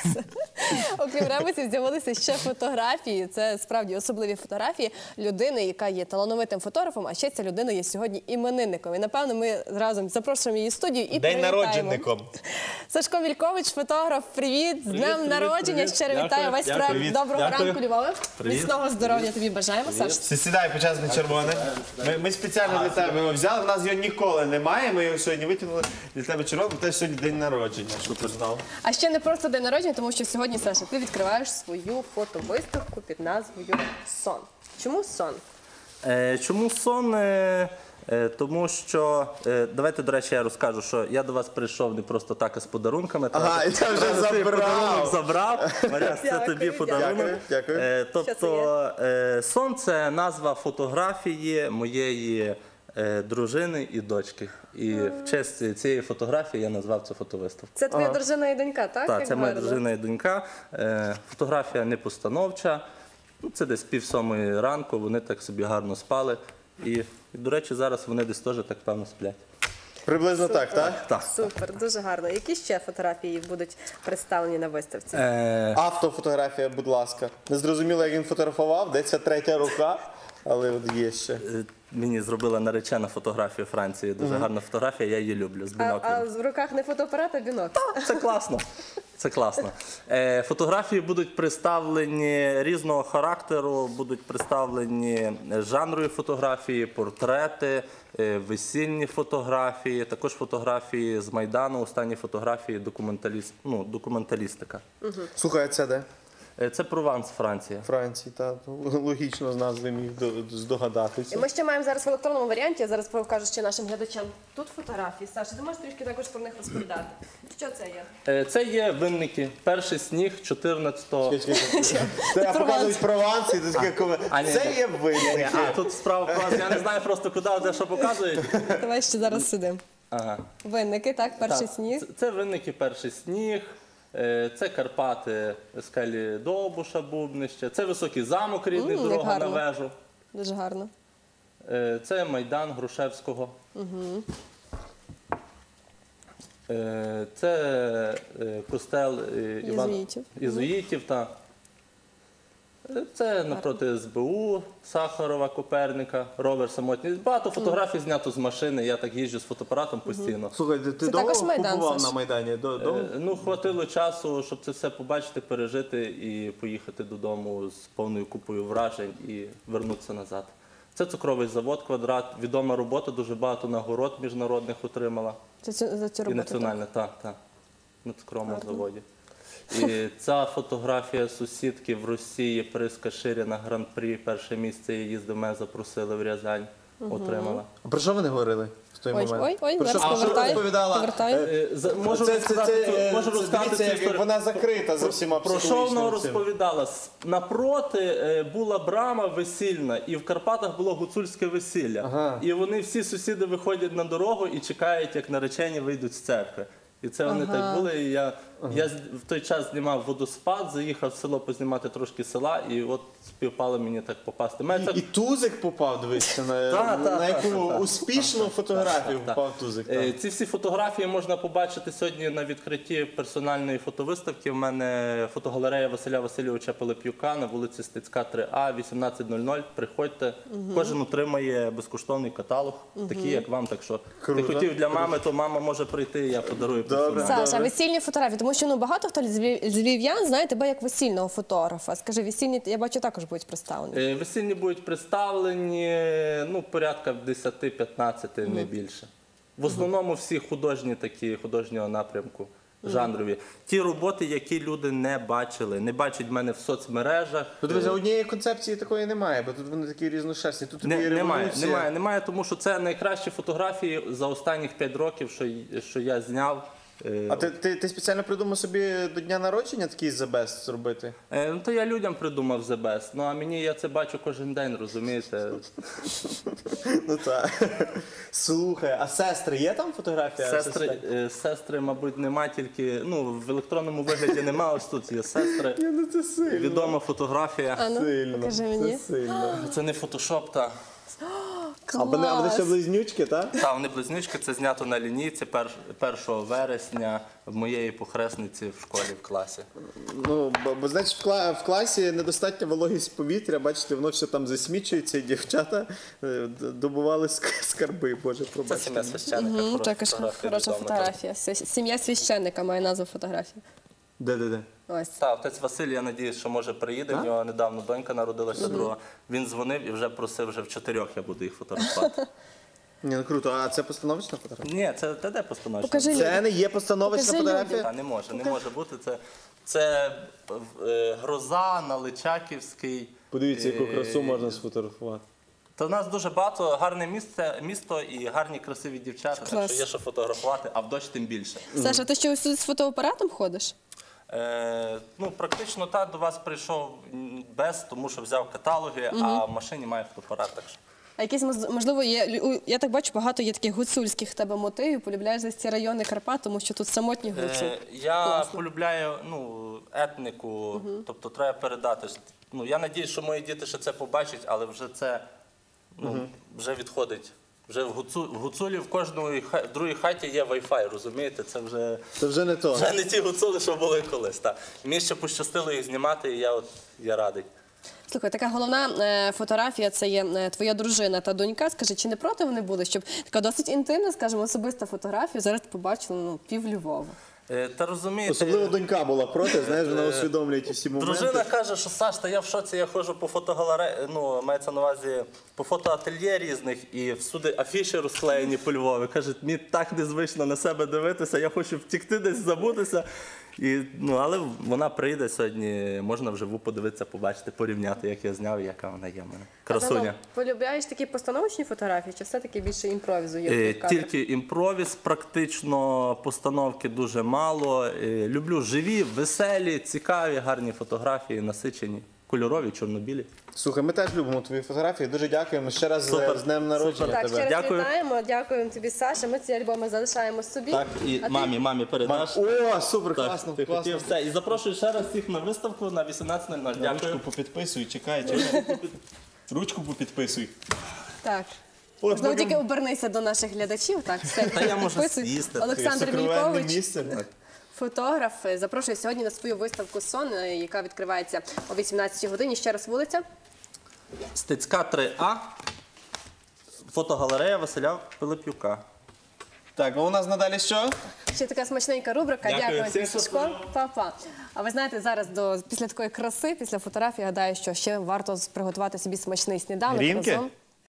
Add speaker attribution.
Speaker 1: Окрім ребусів, з'явилися ще фотографії. Це справді особливі фотографії людини, яка є талановитим фотографом, а ще ця людина є сьогодні іменинником. І, напевно, ми разом запрошуємо її в студію і
Speaker 2: День
Speaker 1: привітаємо.
Speaker 2: народженником.
Speaker 1: Сашко Вількович, фотограф, привіт! З днем народження! Щиро вітаю весь проект. Доброго ранку, Львове! Міцного здоров'я тобі бажаємо, Саш.
Speaker 2: Сідай, почесний червоний. Ми спеціально для тебе його взяли, в нас його ніколи немає, ми його сьогодні витягнули для тебе червоний, бо тебе сьогодні день народження, щоб ти знав.
Speaker 1: А ще не просто день народження, тому що сьогодні, Саша, ти відкриваєш свою фотовиставку під назвою «Сон». Чому сон?
Speaker 3: Чому сон? Тому що, давайте, до речі, я розкажу, що я до вас прийшов не просто так, а з подарунками.
Speaker 2: Ага, і ти вже
Speaker 3: забрав. Мар'яс, це тобі подарунок.
Speaker 2: Дякую.
Speaker 3: Тобто, сон – це назва фотографії моєї дружини і дочки. І в честь цієї фотографії я назвав цю фотовиставку.
Speaker 1: Це твоя дружина і донька, так?
Speaker 3: Так,
Speaker 1: Як
Speaker 3: це моя
Speaker 1: гарно.
Speaker 3: дружина і донька. Фотографія не постановча. Це десь 6:30 ранку, вони так собі гарно спали. І, до речі, зараз вони десь теж так певно сплять.
Speaker 2: Приблизно так, так?
Speaker 3: Так.
Speaker 1: Супер, дуже гарно. Які ще фотографії будуть представлені на виставці?
Speaker 2: Автофотографія, будь ласка. Не зрозуміло, як він фотографував, де ця третя рука, але от є ще.
Speaker 3: Мені зробила наречена фотографію Франції. Дуже гарна фотографія, я її люблю, з
Speaker 1: А
Speaker 3: біноклем.
Speaker 1: в руках не фотоапарат, а бінокль.
Speaker 3: Це класно. Це класно. Фотографії будуть представлені різного характеру, будуть представлені жанрові фотографії, портрети, весільні фотографії, також фотографії з Майдану, останні фотографії документалістика.
Speaker 2: Слухай, а це де?
Speaker 3: Це Прованс, Франція.
Speaker 2: Франції, так. Логічно з назви міг здогадатися.
Speaker 1: І ми ще маємо зараз в електронному варіанті, я зараз покажу ще нашим глядачам. Тут фотографії. Саша, ти можеш трішки також про них розповідати? Що це є?
Speaker 3: Це є винники. Перший сніг 14-го.
Speaker 2: Це показують Прованс, і ти таке це є винники.
Speaker 3: А, тут справа про я не знаю просто куди, де що показують.
Speaker 1: Давай ще зараз сидимо.
Speaker 3: Ага.
Speaker 1: Винники, так, перший сніг.
Speaker 3: Це винники, перший сніг, це Карпати, скелі Довбуша, Бубнище, це Високий замок рідний,
Speaker 1: як
Speaker 3: дорога на
Speaker 1: гарно.
Speaker 3: вежу.
Speaker 1: Дуже гарно.
Speaker 3: Це Майдан Грушевського. Це костел Єзуїтів. Це напроти СБУ, Сахарова, Коперника, ровер самотній. Багато фотографій знято з машини, я так їжджу з фотоапаратом постійно.
Speaker 2: Слухай, ти довго побував на Майдані?
Speaker 3: Хватило часу, щоб це все побачити, пережити і поїхати додому з повною купою вражень і вернутися назад. Це цукровий завод «Квадрат», відома робота, дуже багато нагород міжнародних отримала.
Speaker 1: Це за цю роботу?
Speaker 3: І національна, так, на цукровому заводі. І ця фотографія сусідки в Росії, Приска Ширіна, Гран-прі, перше місце її їздив, мене запросили в Рязань, отримала.
Speaker 2: А про що вони говорили в той момент?
Speaker 1: Ой, зараз повертаю.
Speaker 3: Можу розказати цю історію.
Speaker 2: Вона закрита за всіма
Speaker 3: Про що вона розповідала? Напроти була брама весільна, і в Карпатах було гуцульське весілля. І вони всі сусіди виходять на дорогу і чекають, як наречені вийдуть з церкви. І це вони так були. І я в той час знімав водоспад, заїхав в село познімати трошки села, і от співпало мені так попасти.
Speaker 2: І Тузик попав, дивися, на яку успішну фотографію попав Тузик.
Speaker 3: Ці всі фотографії можна побачити сьогодні на відкритті персональної фотовиставки. У мене фотогалерея Василя Васильовича Пилип'юка на вулиці Стецька, 3А, 18:00. Приходьте. Кожен отримає безкоштовний каталог, такий, як вам. Так що ти хотів для мами, то мама може прийти, я подарую.
Speaker 1: Саша, весільні фотографії, тому що багато хто з львів'ян знає тебе як весільного фотографа. Скажи, весільні, я бачу, також будуть представлені.
Speaker 3: Весільні будуть представлені, порядка 10-15, не більше. В основному всі художні такі, художнього напрямку, жанрові. Ті роботи, які люди не бачили, не бачать мене в соцмережах.
Speaker 2: Дивіться, однієї концепції такої немає, бо тут вони такі різношерстні. Тут є революція.
Speaker 3: Немає, тому що це найкращі фотографії за останніх 5 років, що я зняв.
Speaker 2: А ти спеціально придумав собі до дня народження такий The Best зробити?
Speaker 3: То я людям придумав The Best, а мені я це бачу кожен день, розумієте?
Speaker 2: Ну так. Слухай, а сестри є там фотографія?
Speaker 3: Сестри, мабуть, нема, тільки, в електронному вигляді нема, ось тут є сестри.
Speaker 2: Це сильно.
Speaker 3: Відома фотографія.
Speaker 1: Покажи мені.
Speaker 2: Це сильно.
Speaker 3: Це не фотошоп, та.
Speaker 2: А вони
Speaker 1: Клас!
Speaker 2: ще близнючки, так?
Speaker 3: Та, вони близнючки, це знято на лінійці 1 вересня в моєї похресниці в школі, в класі.
Speaker 2: Ну, бо значить, в класі недостатня вологість повітря, бачите, воно все там засмічується, і дівчата добували скарби, Боже,
Speaker 3: Це
Speaker 2: пробачте.
Speaker 3: сім'я священника.
Speaker 1: Мгм,
Speaker 3: хороша
Speaker 1: також
Speaker 3: фотографія,
Speaker 1: хороша
Speaker 3: відома.
Speaker 1: фотографія. Сім'я священника має назву фотографії.
Speaker 2: Де?
Speaker 1: Ось.
Speaker 3: Так, отець Василь, я надіюсь, що може приїде, в нього недавно донька народилася друга. Він дзвонив і вже просив, вже в 4 я буду їх фотографувати.
Speaker 2: Ні, ну круто, а це постановочна фотографія?
Speaker 3: Ні, це де постановочна?
Speaker 1: Покажи
Speaker 2: Це не є постановочна
Speaker 1: Покажи
Speaker 2: фотографія?
Speaker 3: Та, не може бути. Це гроза на Личаківський.
Speaker 2: Подивіться, яку красу можна сфотографувати.
Speaker 3: Та в нас дуже багато гарне місто і гарні красиві дівчата, так
Speaker 1: Клас.
Speaker 3: що є що фотографувати, а в дощ тим більше.
Speaker 1: Саша, ти що ось тут з фотоапаратом ходиш?
Speaker 3: Ну, практично до вас прийшов без, тому що взяв каталоги, а в машині має фотоапарат. Так що.
Speaker 1: А якісь, можливо, я так бачу, багато є таких гуцульських в тебе мотивів, полюбляєш десь ці райони Карпат, тому що тут самотні гуцули.
Speaker 3: Я
Speaker 1: Класно.
Speaker 3: полюбляю етнику, тобто треба передати. Ну, я надіюсь, що мої діти ще це побачать, але вже це вже відходить. Вже в гуцулі в кожній другій хаті є Wi-Fi, розумієте? Це
Speaker 2: Це вже не то.
Speaker 3: вже не ті гуцули, що були колись. Так. Мені ще пощастило їх знімати, і я радий.
Speaker 1: Слухай, така головна фотографія – це є твоя дружина та донька. Скажи, чи не проти вони були, щоб така досить інтимна, скажімо, особиста фотографія зараз побачили пів Львова?
Speaker 3: Та розумієте,
Speaker 2: Особливо донька була проти, знаєш, вона усвідомлює ті всі моменти.
Speaker 3: дружина каже, що Саш, та я в шоці, я ходжу по фотогалереї, мається на увазі по фотоательє різних, і всюди афіші розклеєні по Львові. Каже, мені так незвично на себе дивитися, я хочу втікти десь, забутися. Але вона прийде сьогодні, можна вживу подивитися, побачити, порівняти, як я зняв і яка вона є в мене. Красуня.
Speaker 1: Полюбляєш такі постановочні фотографії, чи все-таки більше імпровізує?
Speaker 3: Тільки імпровіз, практично постановки дуже мало. Люблю живі, веселі, цікаві, гарні фотографії, насичені, кольорові, чорнобілі.
Speaker 2: Слухай, ми теж любимо твої фотографії. Дуже дякуємо ще раз
Speaker 3: Супер.
Speaker 2: з днем народження
Speaker 3: Супер.
Speaker 1: Так, ще
Speaker 2: тебе.
Speaker 1: раз
Speaker 3: Дякую.
Speaker 1: вітаємо, дякуємо тобі, Саша. Ми ці альбоми залишаємо собі.
Speaker 3: Так, і
Speaker 1: А ти?
Speaker 3: мамі передаш.
Speaker 2: О, супер,
Speaker 3: Так,
Speaker 2: класно,
Speaker 3: ти
Speaker 2: класно.
Speaker 3: хотів все. І запрошую ще раз всіх на виставку на 18:00. Дякую.
Speaker 2: Ручку попідписуй, чекай. Ручку попідписуй.
Speaker 1: Так.
Speaker 2: От,
Speaker 1: Знову
Speaker 2: поки-
Speaker 1: тільки обернися до наших глядачів. Так, все.
Speaker 3: Та я можу
Speaker 1: Підписуй.
Speaker 3: з'їсти.
Speaker 1: Олександр
Speaker 2: Сокровенне
Speaker 1: Вількович,
Speaker 2: місце.
Speaker 1: фотограф, запрошує сьогодні на свою виставку «Сон», яка відкривається о 18-й годині. Ще раз вулиця.
Speaker 3: Стецька 3А. Фотогалерея Василя Пилипюка.
Speaker 2: Так, а у нас надалі що?
Speaker 1: Ще така смачненька рубрика.
Speaker 3: Дякую
Speaker 1: Дякую,
Speaker 3: всім,
Speaker 1: тобі,
Speaker 3: що
Speaker 1: Сашко. Па-па. А ви знаєте, зараз після такої краси, після фотографії, гадаю, що ще варто приготувати собі смачний сніданок
Speaker 2: Грінки?
Speaker 1: разом